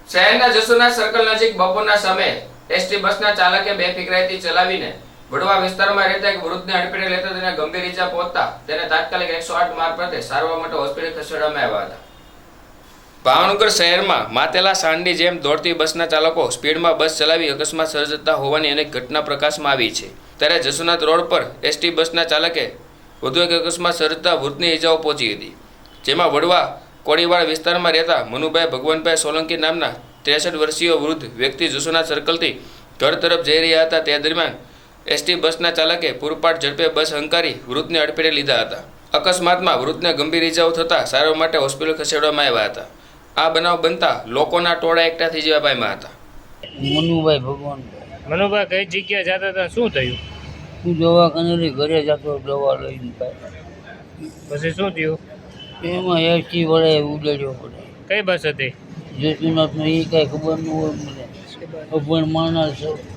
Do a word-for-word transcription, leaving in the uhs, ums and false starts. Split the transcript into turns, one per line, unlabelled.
શહેરના જસુના સર્કલ નજીક બપોરના સમયે એસટી બસના ચાલકે બેફિકરાઈથી ચલાવીને વડવા વિસ્તારમાં રહેતા એક વૃદ્ધને અડફેટે લેતા તેને ગંભીર ઈજા પહોંચતા તેને તાત્કાલિક એકસો આઠ મારફતે સારવાર માટે હોસ્પિટલ ખસેડવામાં આવ્યા હતા. ભાવનગર શહેરમાં માતેલા સાંડની જેમ દોડતી બસના ચાલકો સ્પીડમાં બસ ચલાવી અકસ્માત સર્જતા હોવાની અનેક ઘટના પ્રકાશમાં આવી છે. ત્યારે જસુનાથ રોડ પર એસટી બસના ચાલકે વધુ એક અકસ્માત સર્જતા વૃદ્ધની ઈજાઓ પહોંચી હતી, જેમાં વડવા કોળીવાડ વિસ્તારમાં રહેતા મનુભાઈ ભગવાનભાઈ સોલંકી નામના ત્રેસઠ વર્ષીય વૃદ્ધ વ્યક્તિ જસુનાથ સર્કલથી ઘર તરફ જઈ રહ્યા હતા. તે દરમિયાન એસટી બસના ચાલકે પૂરપાટ ઝડપે બસ હંકારી વૃદ્ધને અડફેટે લીધા હતા. અકસ્માતમાં વૃદ્ધને ગંભીર ઈજાઓ થતાં સારવાર માટે હોસ્પિટલ ખસેડવામાં આવ્યા હતા. આ બનાવ બનતા લોકોના ટોળા એકઠા થઈ જવા પામ્યા હતા.
મનુભાઈ ભગવાન
મનુભાઈ કઈ જગ્યાએ જતા હતા, શું થયું?
હું દવાખાને ઘરે જતો દવા લઈને
પછી શું થયું?
એમાં એસટી વડે ઉડાડ્યો પડે.
કઈ બસ હતી?
જસુનાથનો એ કાંઈ ખબર ન હોય મને, અભણ માણસ